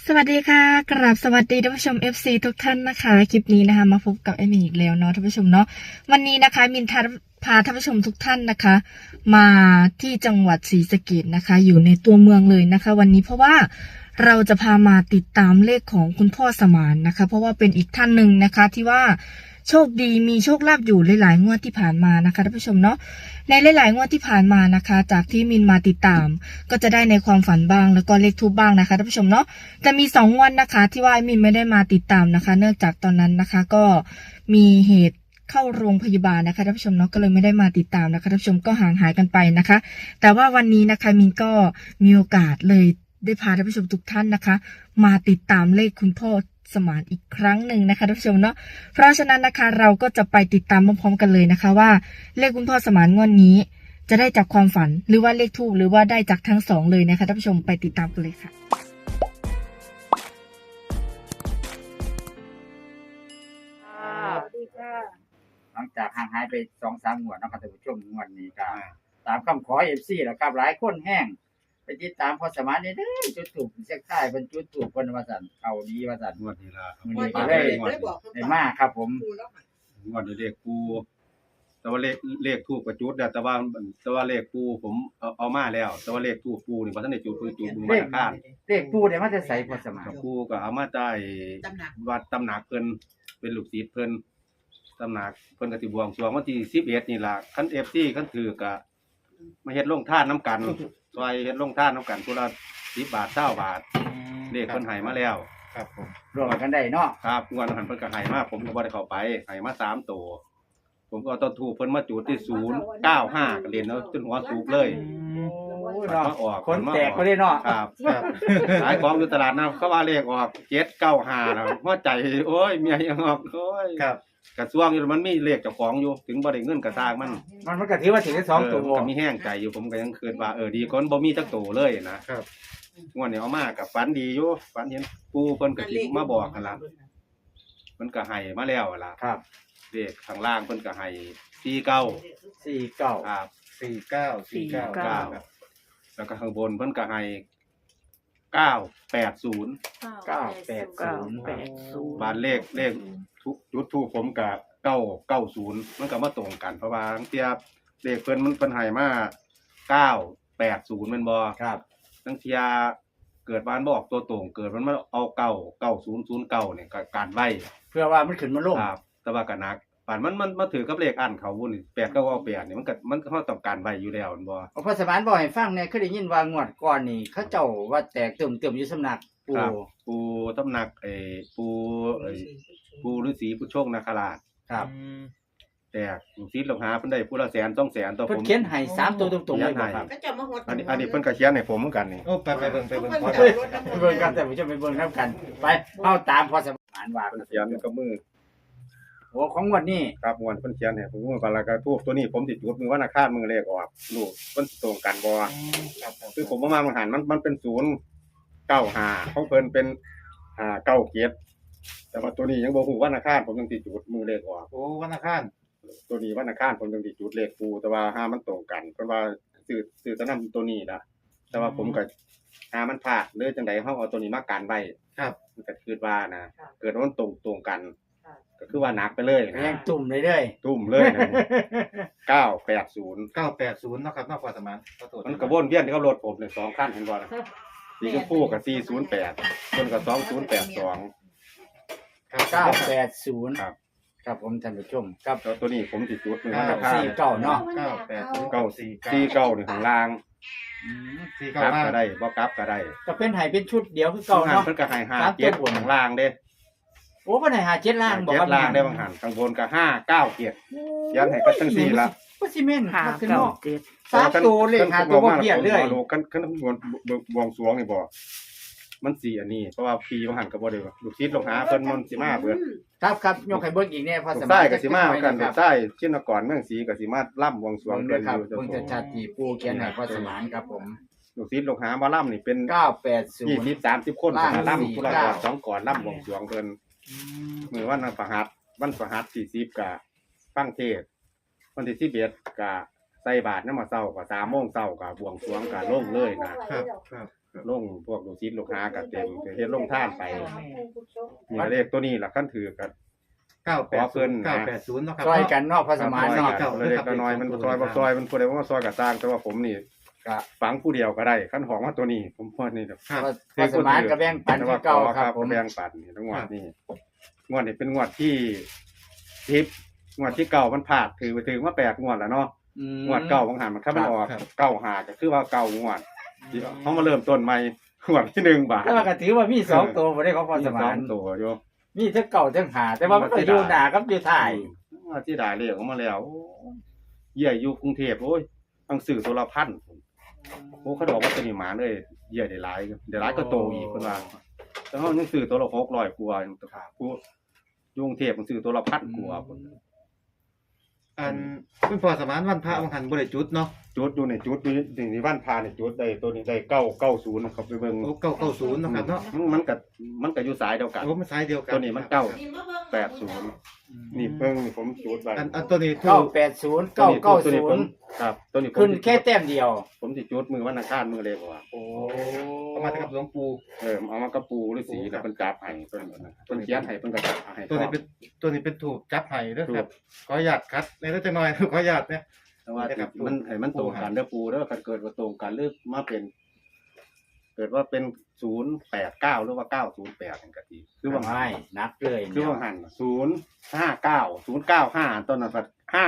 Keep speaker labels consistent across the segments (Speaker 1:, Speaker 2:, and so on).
Speaker 1: สวัสดีค่ะกราบสวัสดีท่านผู้ชม FC ทุกท่านนะคะคลิปนี้นะคะมาพบกับเอมี่อีกแล้วเนาะท่านผู้ชมเนาะวันนี้นะคะมินพาท่านผู้ชมทุกท่านนะคะ มาที่จังหวัดศรีสะเกษนะคะอยู่ในตัวเมืองเลยนะคะ วันนี้เพราะว่าเราจะพามาติดตามเลขของคุณพ่อสมานนะคะ เพราะว่าเป็นอีกท่านหนึ่งนะคะที่ว่าโชคดีมีโชคลาภอยู่หลายๆงวดที่ผ่านมานะคะท่านผู้ชมเนาะในหลายๆงวดที่ผ่านมานะคะ จากที่มินมาติดตาม ก็จะได้ในความฝันบ้างแล้วก็เลขทูปบ้างนะคะท่านผู้ชมเนาะจะมี2 วันนะคะที่ว่ามินไม่ได้มาติดตามนะคะ เนื่องจากตอนนั้นนะคะก็มีเหตุเข้าโรงพยาบาลนะคะท่านผู้ชมเนาะก็เลยไม่ได้มาติดตามนะคะท่านผู้ชมก็ห่างหายกันไปนะคะ แต่ว่าวันนี้นะคะมินก็มีโอกาสเลยได้พาท่านผู้ชมทุกท่านนะคะ มาติดตามเลขคุณพ่อสมานอีกครั้งหนึ่งนะคะท่านผู้ชมเนาะเพราะฉะนั้นนะคะเราก็จะไปติดตามพร้อมๆกันเลยนะคะว่าเลขคุณพ่อสมานงวดนี้จะได้จากความฝันหรือว่าเลขทูปหรือว่าได้จากทั้งสองเลยนะคะท่านผู้ชมไปติดตามกันเลยค่ะ
Speaker 2: สวัสดีค่ะหลังจากห่างหายไป2-3 งวดนะครับท่านผู้ชมงวดนี้ก็ตามคำขอ FC แล้วครับหลายคนแห้งไปติดตามพอสมานนี่เด้อจุดถูกเสียงท้ายเพิ่นจุดถูกเพิ่นว่าซั่นเข้าดีว่าซั่น
Speaker 3: งวดนี้ล่ะ
Speaker 2: มื้อนี้ก็เลยได้มาครับผม
Speaker 3: งวดนี้เลขปูแต่ว่าเลขทูปกับจุดแต่ว่าเลขปูผมเอามาแล้ว แต่ว่าเลขทูปปูนี่บ่ทันได้จุดจุดมือวันอังคาร
Speaker 2: เลขปูได้มาแต่ไสพอสมาน
Speaker 3: กับปูก็เอามาได้วัดตำหนักเพิ่นเป็นลูกศิษย์เพิ่นตำหนักเพิ่นก็สิบวงสรวงวันที่11นี่ล่ะคัน FC คันถือก็มาเฮ็ดลงทานนํกันซอยเฮ็ดลงทานนํกันผู้ละ10 บาท20 บาทเลขเพิ่นให้มาแล้ว
Speaker 2: ครับผมรวมกันได้เนาะ
Speaker 3: ครับงวดหันเพิ่นก็ให้มาผมก็บ่ได้เข้าไปให้มา3ตัวผมก็เอาต้นทูปเพิ่นมาจุดที่095ก็เล่นเอาจนหัวสูบเลย
Speaker 2: โอ้ยเนาะ
Speaker 3: มาออก
Speaker 2: คนแตกก็ได้เนาะ
Speaker 3: ครับขายของอยู่ตลาดนะเขาว่าเลขออก795นะหัวใจโอ้ยเมียยังออกโอ้ย
Speaker 2: ครับ
Speaker 3: กระทรวงอยู่มันมีเลขเจ้าของอยู่ถึงบ่ได้เงินก็สร้างมัน
Speaker 2: มันก็ถือว่าถึงได้2ตัว
Speaker 3: ก็มีแห้งใจอยู่ผมก็ยังคิดว่าดีกว่าบ่มีจักตัวเลยนะครับงวดนี้เอามาก็ฝันดีอยู่ฝันเห็นปู่เพิ่นก็สิมาบอกหั่นล่ะเพิ่นก็ให้มาแล้วล่ะ
Speaker 2: ครับ
Speaker 3: เลขข้างล่างเพิ่นก็ให้49
Speaker 2: 49
Speaker 3: ครับ
Speaker 2: 49
Speaker 3: แล้วก็ข้างบนเพิ่นก็ให้980 บ้านเลขทุกจุดทูปผมก็990มันก็มาตรงกันเพราะว่าทั้งเทียบเลขเพิ่นมันเพิ่นให้มา980แม่นบ่
Speaker 2: ครับ
Speaker 3: ทั้งเทียเกิดบ้านบ่ออกตัวตรงเกิดมันมาเอา9009เนี่ยก็การไว้
Speaker 2: เพื่อว่ามันขึ้นมาลง
Speaker 3: ครับแต่ว่าก็หนักป่านมันมาถือกับเลขอันเขาวุ่น8998นี่มันเฮาต้องการไว้อยู่แล้วแม่นบ่
Speaker 2: พอสมานบอกให้ฟังเนี่ยเคยได้ยินว่างวดก่อนนี่เขาเจ้าว่าแตกเติมอยู่สำนักปู่
Speaker 3: ครับปูตำหนักปูฤาษีผู้โชคนาคราช
Speaker 2: ครับ
Speaker 3: แต่ลูกศิษย์ลูกหาเพิ่นได้ผู้ละแสน2แสนต่อ
Speaker 2: เพิ่
Speaker 3: ผ
Speaker 2: น
Speaker 3: ม
Speaker 2: เขียนให้3ตัวตรงๆเลยบ่ครับ
Speaker 4: ก็จะมาหด
Speaker 3: อันนี้เพิ่นก็เขียนให้ผมเหมือนกันนี่
Speaker 5: โอ้ไปเบิ่ง
Speaker 4: เพิ่น
Speaker 5: พอ
Speaker 4: จะ
Speaker 5: ได้
Speaker 4: รถน้ำ
Speaker 2: ไปเบิ่งกันแต่ผมจะไปเบิ่งนํกัน ไปเอาตามพอสมานว่า
Speaker 3: เพิ่นเขียนกับมือ
Speaker 2: โอ้ของงวดนี้
Speaker 3: ครับม่วนเพิ่นเขียนให้ผมว่าบาลากาทูบตัวนี้ผมสิจุดมือวันอังคารมือเลขออกลูกเพิ่นสิตรงกันบ่
Speaker 5: ครับผม
Speaker 3: คือผมว่ามันหันมันเป็น095ของเพิ่นเป็น97แต่ว่าตัวนี้ยังบ่ฮู้วันอังคารผมยังสิจุดมือเลขออก
Speaker 5: โอ้วันอังคาร
Speaker 3: ตัวนี้วันอังคารผมยังสิจุดเลขปูแต่ว่าห้ามันตรงกันเพิ่นว่าซื้อแตะนํตัวนี้ล่ะแต่ว่าผมก็หามันพลาดหรือจังไดเฮาเอาตัวนี้มากันไว้
Speaker 5: ครับ
Speaker 3: มันก็คิดว่านะเกิดว่ามันตรงกัน ก็คือว่าหนักไปเลยนะ
Speaker 2: แรงตุ่มเลยเด้ย
Speaker 3: ทุ่มเลยนะ980
Speaker 5: 980เนาะครับนอกพอสมานขอโทษ
Speaker 3: มันกระวนเวียนกับรถผมเนี่ย2คันเห็นบ่นะสีชมพูกับ408เพิ่นก็2082
Speaker 2: 980
Speaker 3: ครับ
Speaker 2: ครับผมท่านผู้ชมครับ
Speaker 3: แล้วตัวนี้ผมสิจุดมือ
Speaker 2: ค
Speaker 3: วัน
Speaker 2: รั
Speaker 3: อั
Speaker 2: บ
Speaker 3: งคาร
Speaker 2: 49เนาะ
Speaker 3: 49นี่ข้างล่าง
Speaker 5: 4
Speaker 3: กลับ
Speaker 5: 9
Speaker 3: ก็ได้บ่กลับก็ได้
Speaker 2: ก็เป็นให้เป็นชุดเดียวคือเก่า
Speaker 3: บางหัน
Speaker 2: เนาะ
Speaker 3: เพิ่นก็ให้
Speaker 2: ครับ
Speaker 3: 57ข้างล่างเด้
Speaker 2: โอ้เพิ่นให้57ล่างบ่ครับ
Speaker 3: 7ล่างได้บางหันข้างบนก็597เขียนให้ก็จังซี่ล่ะ
Speaker 2: ก็สิแม่น
Speaker 1: ค่ะ
Speaker 2: ครับคือเนาะ
Speaker 1: 9
Speaker 2: สามตัวเลขหาตัวบ่เปลี่ยนเลย
Speaker 3: คันบวงสรวงนี่บ่มันสิอันนี้เพราะว่าปีบางหันก็บ่ได้ว่าลูกศิษย์ลูกหาเพิ่นมันสิมาเบิด
Speaker 2: ครับครับยกให้เบิ่งอีกแน่พอ
Speaker 3: ลู
Speaker 2: ส
Speaker 3: ก
Speaker 2: มาน
Speaker 3: ชายก็สิมากัน
Speaker 2: ค
Speaker 3: ลู
Speaker 2: รั
Speaker 3: กชายชินกรเมืองศรีก็สิมาล่ำบวงสรวง
Speaker 2: เบิ่ง
Speaker 3: เพิ่น
Speaker 2: ด้วยครับ
Speaker 3: อยู่
Speaker 2: เบิ่งชัดๆที่ปู่เขียนให้พอสมานครับผม
Speaker 3: ลูกศิษย์ลูกหามาล่ำนี่เป็น
Speaker 2: 980
Speaker 3: 20-30 คน
Speaker 2: ล่าง
Speaker 3: ล่ำผู้ละก่อน
Speaker 2: 49
Speaker 3: 2ก่อนล่ำบวงสรวงเพิ่นมื้อวันประหัสวันประหัสที่10ก็ฟังเทศน์วันที่11ก็ใส่บาตรนำมาเช้าก็3:00 นก็บวงสรวงก็ลงเลยนะ
Speaker 5: ครับครับ
Speaker 3: ลงพวกลูกศิษย์ลูกหาก็เต็มก็เฮ็ดลงทานไปนี่เลขตัวนี้ล่ะคันถือกัน
Speaker 5: 980 980เนาะครับ
Speaker 2: ซอยกันเนาะพอสมาน
Speaker 3: ซอย
Speaker 2: เนาะ
Speaker 3: กันเล็กๆน้อยๆมันซอยบ่ซอยมันผู้ใดว่าซอยก็สร้างแต่ว่าผมนี่
Speaker 2: ก็
Speaker 3: ฝังผู้เดียวก็ได้คันของว่าตัวนี้ผมว่านี่ครับ
Speaker 5: ครับ
Speaker 2: พอสมานก็แบ่งปันคือเก่าครับผม
Speaker 3: แบ่งปันนี่ทั้งงวดนี่งวดนี้เป็นงวดที่10งวดที่เก่ามันพลาดถือว่า8งวดแล้วเนาะงวดเก่าบางหันมันถ้ามันออกเก่าหาก็คือว่าเก่างวดเฮามาเริ่มต้นใหม่งวดที่1บาท
Speaker 2: แต่ว่าก็ถือว่ามี2ตัวบ่ได้ของพอสมาน
Speaker 3: มี2ตัวอยู่
Speaker 2: มีทั้งเก่าทั้งหาแต่ว่ามันก็อยู่หน้ากับอยู่ท้าย
Speaker 3: ที่ได้เลขออกมาแล้วเยี่ยอยู่กรุงเทพโอ้ยต้องซื้อตัวละพันโอ้เขาบอกว่าตัวนี้หมาเลยเยี่ยได้หลายก็โตอีกเพิ่นว่าแต่เฮายังซื้อตัวละ600กว่าอยู่ผู้อยู่กรุงเทพมันซื้อตัวละพันกว่าพุ่น
Speaker 5: อันคุณพ่อสมานวันพระบางหันบ่ได้จุดเนาะ
Speaker 3: จุดอยู่ในจุดอยู่ในบ้านพาเนี่ยจุดได้ตัวนี้ได้990นะครับไปเบิ่ง
Speaker 5: โอ้990เนาะครับเนาะ
Speaker 3: มันก็อยู่สายเดียวกัน
Speaker 5: โอ้มันสายเดียวกัน
Speaker 3: ตัวนี้มัน980นี่เบิ่งนี่ผมจุดไว้
Speaker 5: อันตัวนี้ถูก
Speaker 2: 980
Speaker 3: ตัวนี้ผม
Speaker 2: 990
Speaker 3: ครับตัวนี้ผม
Speaker 2: ขึ้นแค่แต้มเดียว
Speaker 3: ผมสิจุดมือวันอังคารมือเลขว่า
Speaker 2: โอ้
Speaker 5: เอามากับหลวงปู่
Speaker 3: เอามากระปูฤาษีแล้วเพิ่นจับให้เพิ่นเขียนให้เพิ่นก็จับให้
Speaker 5: ตัวนี้เป็นถูกจับไห้เด้อครับขออนุญาตคัดในเล็กน้อย ขออนุญาตเนี่ย
Speaker 3: แต่ว่ามันให้มันตรงกันเด้อปูเด้อคันเกิดว่าตรงกันหรือมาเป็น เกิดว่าเป็น089หรือว่า908นั่นก็ดีคือว่า
Speaker 2: ไม่นับเลย
Speaker 3: คือว่าหัน059 ต้นนั้นก็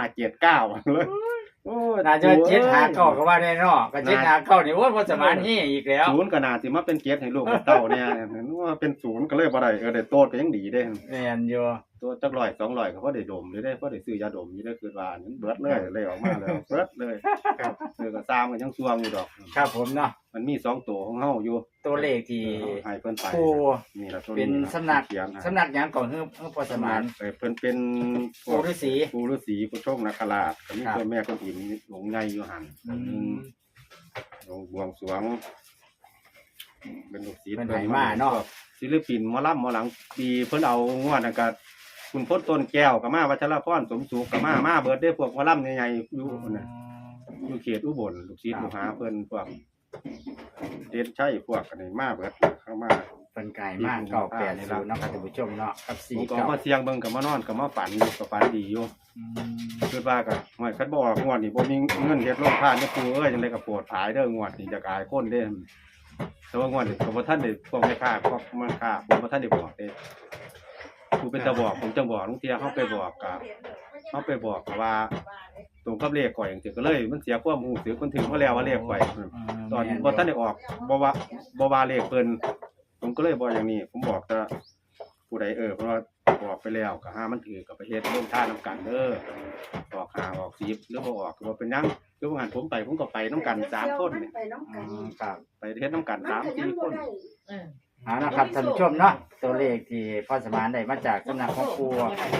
Speaker 3: 579เลยโอ้ย
Speaker 2: น่าจะ759ก็ว่าได้เนาะก็759นี่โอ้ยพอสมานเฮอีกแล้ว
Speaker 3: ศูนย์ก็น่าสิมาเป็นเกียรติให้ลูกให้เต้าเนี่ยนึกว่าเป็นศูนย์ก็เลยบ่ได้ได้โตดก็ยังดีเด้
Speaker 2: แม่นอยู่
Speaker 3: ตัวจัก100 200ก็พอได้ดมอยู่ได้พอได้ซื้อยาดมอยู่ได้คือว่านั้นเบิดเลยออกมาแล้วเบิดเลยครับก็ตามกันยังซวงอยู่ดอก
Speaker 2: ครับผมเนาะ
Speaker 3: มันมี2ตัวของเฮาอยู่
Speaker 2: ตัวเลขที่
Speaker 3: ให้เพิ่นไป
Speaker 2: ผู้
Speaker 3: นี่ล่ะตัว
Speaker 2: เป็น
Speaker 3: นี้
Speaker 2: สำนัก
Speaker 3: เขียนให้
Speaker 2: สำนักหยังก่อนคือพอสมาน
Speaker 3: เพิ่นเป็นพว
Speaker 2: ปู่
Speaker 3: ก
Speaker 2: ฤาษี
Speaker 3: ปู่ฤาษีผู้โชคนาคราชก็มี
Speaker 2: ครับ
Speaker 3: เจ้าแม่คนอิมหลงใหญ่อยู่หั่นลงบวงสรวงเป็นลูกศิษย์
Speaker 2: เป็นไหมาเนาะ
Speaker 3: ศิลปินหมอลำหมอหลังปีเพิ่นเอางวดนั่นก็คุณพจน์ต้นแก้วก็มาวัชรพรสมสุขก็มาเบิดได้พวกหมอลำใหญ่ๆอยู่พุ่นน่ะอยู่เขตอุบลลูกศิษย์ลูกหาเพิ่นพวกเด่นชัยพวกกันนี่มาเบิดเข้ามา
Speaker 2: เป็นไก่มาก980เนาะครับท่านผู้ชมเนาะกับ
Speaker 3: ผมก็มาเสียงเบิ่งก็มานอนก็มาฝันอยู่ก็ฝันดีอยู่คิดว่าก็ห่วยคันบ่ออกงวดนี่บ่มีเงินเฮ็ดโรงทานเด้อปู่เอ้ยจังได๋ก็โปรดภายเด้องวดนี่จะกอายคนเด้แต่ว่างวดนี้ก็บ่ทันได้พวกแม่ค้าพวกมันค้าผมบ่ทันได้บอกเด้ผู้เป็นตาบอกผมจังบอกลุงเที่ยเฮาไปบอกก็เฮาไปบอกก็ว่าตรงกับเลขข่อยจังซี่ก็เลยมันเสียความรู้สึกมันถึงมาแล้วว่าเลขข่อยตอนบ่ทันได้ออกบ่ว่าเลขเพิ่นผมก็เลยบอกอย่างนี้ผมบอกแต่ผู้ใดเพราะว่าบอกไปแล้วก็ห้ามันถือกับไปเฮ็ดร่วมท่านำกันเด้อออก5ออก10หรือบ่ออกก็บ่เป็นหยังคือว่างั้นผมก็ไปนำกัน3คนนี่
Speaker 2: ครับ
Speaker 3: ไปเฮ็ดนำกัน3-4คน
Speaker 2: เอานะครับท่านผู้ชมเนาะตัวเลขที่พ่อสมานได้มาจากสำนักของครู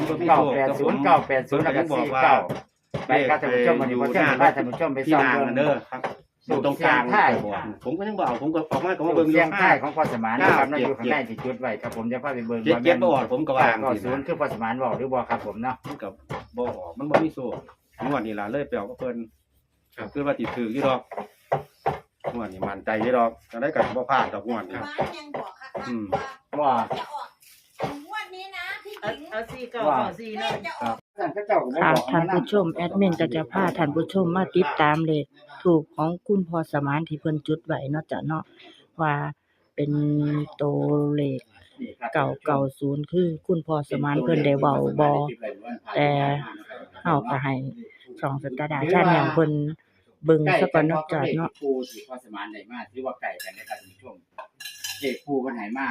Speaker 2: 980 980แล้วก็49ไปครับท่านผู้ชมวันนี้พ่อเที่ยงพาท่านผู้ชมไป
Speaker 3: ที่
Speaker 2: ส่อง
Speaker 3: นาง
Speaker 2: เบิ่
Speaker 3: นั่
Speaker 2: ง
Speaker 3: นเด้อครับอยู่ตรงกลางผมก็ยังบ่เอาผมก็ออกมาก็มาเบิ่งอ
Speaker 2: เสี
Speaker 3: ยู่
Speaker 2: ยงท้ายของพ่อสมานนะครับนั่นอยู่ข้างในที่จุดไว้ครับผมจะพาไปเบิ่ง
Speaker 3: เจ็ดบ่ออกผมก็ว่าจังซี่
Speaker 2: 90คือพ่อสมานบอกหรือบ่ครับผมเนาะ
Speaker 3: มันก็บ่ออกมันบ่มีโซ่งวดนี้ล่ะเลยไปเอากับเพิ่นคือว่าสิถืออยู่ดอกงวดนี้มั่นใจอยู่ดอกจังได๋ก็บ่พลาดดอกงวดนี้
Speaker 4: บ้านยังบอกค่ะ
Speaker 2: ว่า
Speaker 4: จะออกงวดนี้นะที่จริง
Speaker 6: เอา4 9 4
Speaker 4: เล
Speaker 6: เนาะ
Speaker 4: ขจะออก
Speaker 2: ท่านเจ้าก็บ่
Speaker 1: ค่ะ
Speaker 2: บอก
Speaker 1: ท่านผู้ชมแอดมินก็จะพาท่านผู้ชมมาติดตามเลขถูกของคุณพอสมานที่เพิ่นจุดไว้เนาะจ้ะเนาะว่าเป็นตัวเลข990คือคุณพอสมานเพิ่นได้เว้าบ่แต่เฮาก็ให้ช่องสตาร์ดาชาแนลเพิ่นเบิ่งซะก่อนเนาะจ้ะเนาะ
Speaker 2: ครูที่พ่อสมานได้มาถือว่าไก่กันนะครับท่านผู้ชมเลขครูเพิ่นให้มา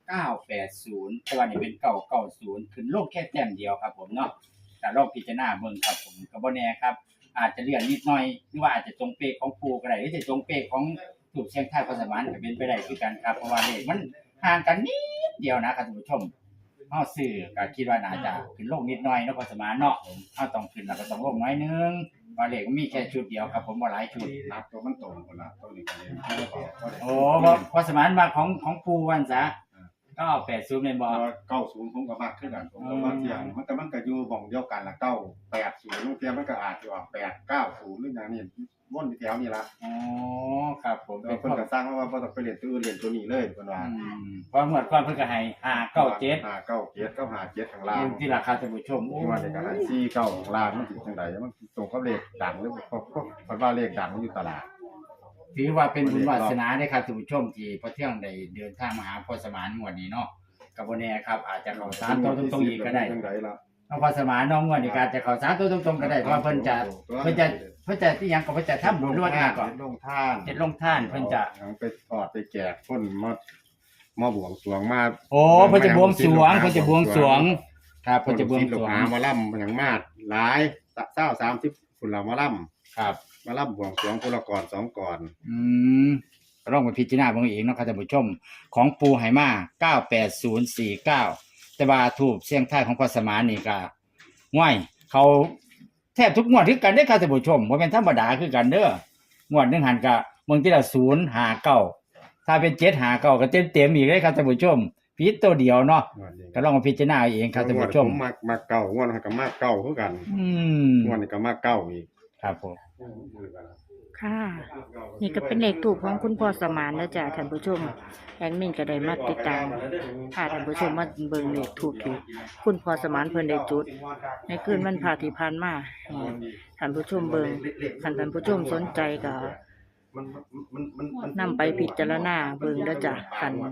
Speaker 2: 980แต่ว่านี่เป็น990ขึ้นลงแค่แต้มเดียวครับผมเนาะแต่ลองพิจารณาเบิ่งครับผมก็บ่แน่ครับ อาจจะเลื่อนนิดหน่อยหรือว่าอาจจะตรงเป๊ะของครูก็ได้หรือจะตรงเป๊ะของถูกเชียงไทยพ่อสมานก็เป็นไปได้คือกันครับเพราะว่าเลขมันห่างกันนิดเดียวนะครับท่านผู้ชมเฮาซื้อก็คิดว่าน่าจะขึ้นลงนิดหน่อยเนาะพ่อสมานเนาะเฮาต้องขึ้นแล้วก็ต้องลงน้อยนึงว่าเลขมันมีแค่ชุดเดียวครับผมบ่หลายชุด
Speaker 3: นับตัวมันตรงพุ่นล่ะตัวนี้ก็เลย
Speaker 2: โอ้พ่อสมานมาของครูวันซะก็เอา80แม่นบ่
Speaker 3: 90ผมก็มากขึ้นกันผมก็ว่าเสียงมันก็อยู่หม่องเดียวกันละ980ลูกเทียมันก็อาจจะออก890หรืออย่างนี้ม่วนอยู่แถวนี้ละ
Speaker 2: อ๋อครับผม
Speaker 3: แล้วเพิ่นก็สร้างว่าบ่ต้องไปเรียนตัวอื่นเรียนตัวนี้เลยเพิ่นว่า
Speaker 2: เพราะเมื่อก่อนเพิ่นก็ให้597
Speaker 3: 597กับ57ข้างล่าง
Speaker 2: อยู่ที่ราคาท่านผู้ชม
Speaker 3: ที่ว่านี่ก็ให้49ข้างล่างมันสิจังไดมันตรงกับเลขดังหรือเพราะเพิ่นว่าเลขดังมันอยู่ตลาด
Speaker 2: ถือว่าเป็นบุญวาสนาได้ครับท่านผู้ชมที่พอเที่ยงได้เดินทางมาหาพ่อสมานงวดนี้เนาะกับบ่แน่ครับอาจจะเข้า3ตัวตรงๆอีกก็ได้
Speaker 3: จังไดล่ะ
Speaker 2: น้องพ่อสมานน้องงวดนี้ก็อาจจะเข้า3ตัวตรงๆก็ได้เพราะว่าเพิ่นจะที่หยังก็เพิ่นจะทำบุญรวดหน้าก่อน
Speaker 3: ลงท่าน
Speaker 2: เฮ็ดลงท่านเพิ่นจะ
Speaker 3: เอาไปทอดไปแจกคนมาบวงสรวงมา
Speaker 2: โอ้เพิ่นจะบวงสรวงเพิ่นจะบวงสรวงครับเพิ่นจะบวงสรวง
Speaker 3: หามาล่ำอย่างมากหลาย20-30คนเรามาล่ำ
Speaker 2: ครับ
Speaker 3: มาล่ำบวงสรวงคนละก่อน2ก่อน
Speaker 2: ก็ลองไปพิจารณาเบิ่งเองเนาะครับท่านผู้ชมของปูไหมา98049แต่ว่าทูปเสียงท้ายของพ่อสมานนี่ก็ง่วยเขาแทบทุกงวดคือกันเด้อครับท่านผู้ชมบ่แม่นธรรมดาคือกันเด้องวดหนึงหันก็เบิ่งทีละ059ถ้าเป็น759ก็เต็มๆอีกเลยครับท่านผู้ชมผิดตัวเดียวเนาะก็ลองมาพิจารณาเอาเองครับท่านผู้ชม
Speaker 3: ผมมาเก่างวดก็มาเก่าคือกันงวดนี้ก็มาเก่าอีก
Speaker 2: ครับผม
Speaker 6: ค่ะ นี่ก็เป็นเลขถูกของคุณพ่อสมานนะจ๊ะท่านผู้ชมแอดมินก็ได้มาติดตามพาท่านผู้ชมมาเบิ่งเลขถูกที่คุณพ่อสมานเพิ่นได้จุด ในคืนวันพระที่ผ่านมาให้ท่านผู้ชมเบิ่งคันท่านผู้ชมสนใจก็นำไปพิจารณาเบิ่งเด้อจ้ะคัน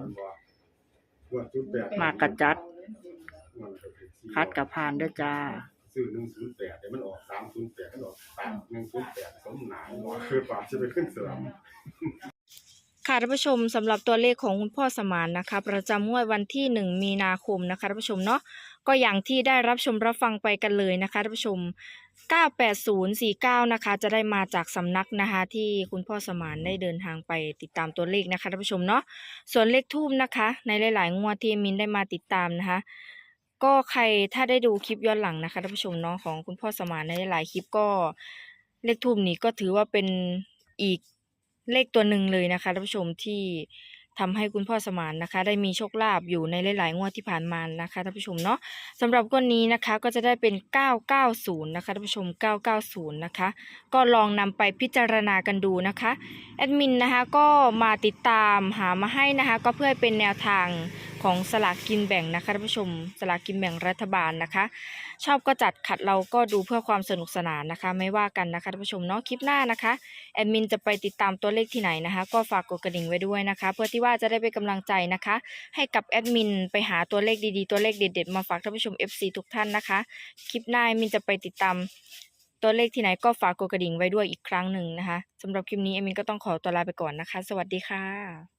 Speaker 6: มากกะจัดคัดกับผ่านเด้อจ้า
Speaker 3: ซื้อ108เดี๋ยวมันออก308มันออก108สมหนาคือปากจะไปขึ้นเสริม
Speaker 1: ค่ะท่านผู้ชมสำหรับตัวเลขของคุณพ่อสมานนะคะประจำงวดวันที่1มีนาคมนะคะท่านผู้ชมเนาะก็อย่างที่ได้รับชมรับฟังไปกันเลยนะคะท่านผู้ชม98049นะคะจะได้มาจากสำนักนะคะที่คุณพ่อสมานได้เดินทางไปติดตามตัวเลขนะคะท่านผู้ชมเนาะส่วนเลขทูบนะคะในหลายๆงวดที่มินได้มาติดตามนะคะก็ใครถ้าได้ดูคลิปย้อนหลังนะคะท่านผู้ชมเนาะของคุณพ่อสมานในหลายๆคลิปก็เลขทูบนี้ก็ถือว่าเป็นอีกเลขตัวหนึ่งเลยนะคะท่านผู้ชมที่ทำให้คุณพ่อสมานนะคะได้มีโชคลาภอยู่ในหลายๆงวดที่ผ่านมานะคะท่านผู้ชมเนาะสำหรับงวดนี้นะคะก็จะได้เป็น990นะคะท่านผู้ชม990นะคะก็ลองนำไปพิจารณากันดูนะคะแอดมินนะคะก็มาติดตามหามาให้นะคะก็เพื่อเป็นแนวทางของสลากกินแบ่งนะคะท่านผู้ชมสลากกินแบ่งรัฐบาลนะคะชอบก็จัดขัดเราก็ดูเพื่อความสนุกสนานนะคะไม่ว่ากันนะคะท่านผู้ชมเนาะคลิปหน้านะคะแอดมินจะไปติดตามตัวเลขที่ไหนนะคะก็ฝากกดกระดิ่งไว้ด้วยนะคะเพื่อที่ว่าจะได้เป็นกำลังใจนะคะให้กับแอดมินไปหาตัวเลขดีๆตัวเลขเด็ดๆมาฝากท่านผู้ชม FC ทุกท่านนะคะคลิปหน้าแอดมินจะไปติดตามตัวเลขที่ไหนก็ฝากกดกระดิ่งไว้ด้วยอีกครั้งหนึ่งนะคะสำหรับคลิปนี้แอดมินก็ต้องขอตัวลาไปก่อนนะคะสวัสดีค่ะ